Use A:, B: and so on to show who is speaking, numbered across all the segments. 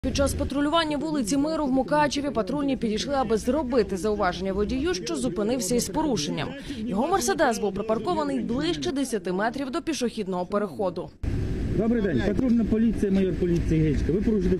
A: Під час патрулювання вулиці Миру в Мукачеві патрульні підійшли, аби зробити зауваження водію, що зупинився із порушенням. Його «Мерседес» був припаркований ближче 10 метрів до пішохідного переходу.
B: Добрий день, патрульна поліція, майор поліції Гичка. Ви порушите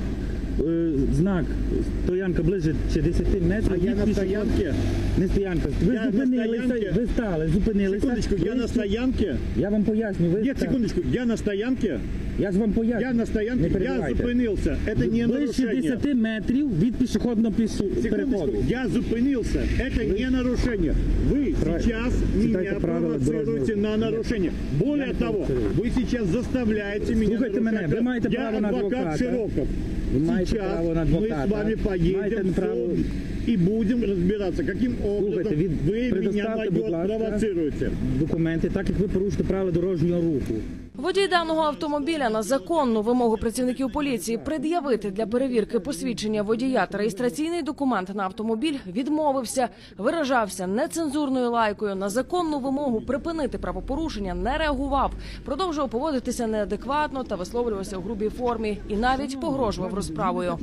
B: знак «Стоянка» ближче 10 метрів.
C: А я на стоянке?
B: Не стоянка. Ви зупинилися, ви стали, зупинилися.
C: Секундочку, я на стоянке?
B: Я вам поясню.
C: Нет, секундочку, я на стоянке?
B: Я ж вам поясню.
C: Я на стоянке, я зупинился. Это не
B: ближче
C: нарушение.
B: 10 метрів від пішохідного переходу.
C: Секундочку, я зупинился. Это не нарушение. Вы сейчас меня провоцируете на нарушение. Более того, вы сейчас заставляете меня нарушать. Я адвокат Широков. Сейчас мы с вами поедем в суд и будем разбираться, каким образом вы меня провоцируете.
B: Документи, так як ви порушите правила дорожнього руху.
A: Водій даного автомобіля на законну вимогу працівників поліції пред'явити для перевірки посвідчення водія та реєстраційний документ на автомобіль відмовився, виражався нецензурною лайкою, на законну вимогу припинити правопорушення не реагував, продовжував поводитися неадекватно та висловлювався у грубій формі і навіть погрожував розправою.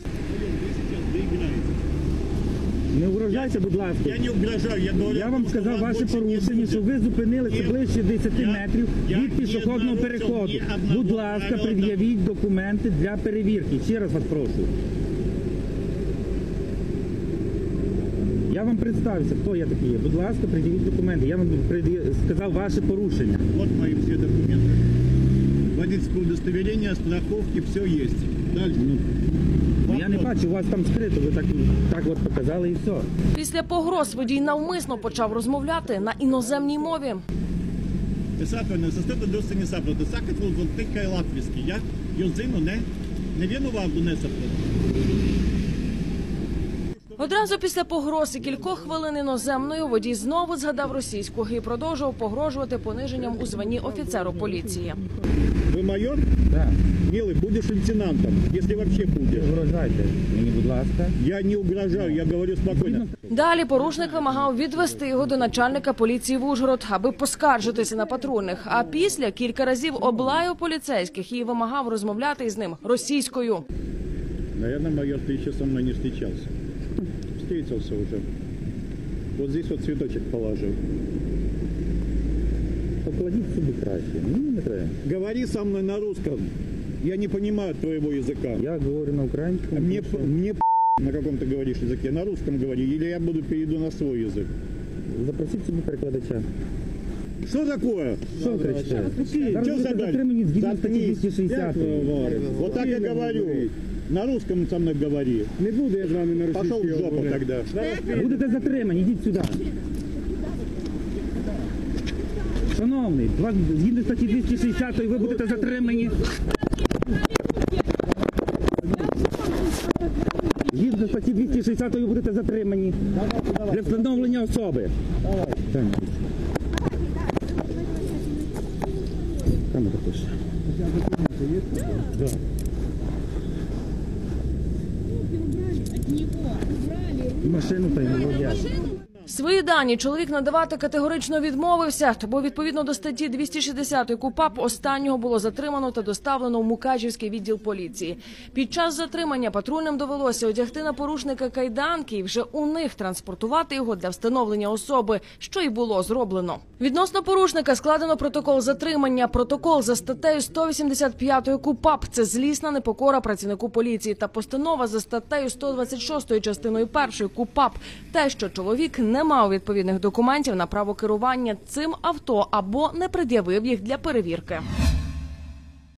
B: Не угрожайте, будь ласка.
C: Я не угрожаю, я говорю.
B: Я вам сказав ваше порушення, що ви зупинилися ближче 10 метрів від пішохідного переходу. Будь ласка, пред'явіть документи для перевірки. Ще раз вас прошу. Я вам представився, хто я такий є. Будь ласка, пред'явіть документи. Я вам сказав ваше порушення.
C: Вот мои все документы. Водительское удостоверение, страховки, все есть. Дальше.
B: Я не бачу, у вас там скрито, ви так от показали і все.
A: Після погроз водій навмисно почав розмовляти на іноземній мові.
C: Писательно, состати досі не сапрати. Сакать вот тикає латвійський. Я йозину не винував до несапрати.
A: Одразу після погроз і кількох хвилин іноземною водій знову згадав російську і продовжував погрожувати пониженням у званні офіцеру поліції.
C: Ви майор?
B: Так.
C: Милый, будешь лейтенантом, если вообще будешь.
B: Не угрожайте мені, будь ласка.
C: Я не угрожаю, я говорю спокойно.
A: Далі порушник вимагав відвести його до начальника поліції в Ужгород, аби поскаржитися на патрульних. А після кілька разів облаяв поліцейських і вимагав розмовляти із ним російською.
C: Наверное, майор, ты еще со мной не встречался. Встретился уже. Вот здесь вот цветочек положил.
B: Покладіть собі краще. Мені не треба.
C: Говори со мной на русском. Я не понимаю твоего языка.
B: Я говорю на українському.
C: Мне на каком ты говоришь языке. На русском говори, или я перейду на свой язык.
B: Запросіть собі перекладача.
C: Что такое?
B: Що ви кричите?
C: Что
B: затримані згідно статті 260.
C: Вот так я говорю. На русском со мной говори. Не буду я с вами на русском. Пошел в жопу тогда.
B: Будете затримані, йдіть сюди. Шановний, згідно статті 260 ви будете затримані. Згідно статті 260 ви будете затримані для встановлення особи. Там это пише. Да. Машину та й водія.
A: Свої дані чоловік надавати категорично відмовився, бо відповідно до статті 260 КУпАП останнього було затримано та доставлено в Мукачівський відділ поліції. Під час затримання патрульним довелося одягти на порушника кайданки і вже у них транспортувати його для встановлення особи, що й було зроблено. Відносно порушника складено протокол затримання. Протокол за статтею 185 КУпАП – це злісна непокора працівнику поліції, та постанова за статтею 126 частиною 1 КУпАП – те, що чоловік не мав відповідних документів на право керування цим авто або не пред'явив їх для перевірки.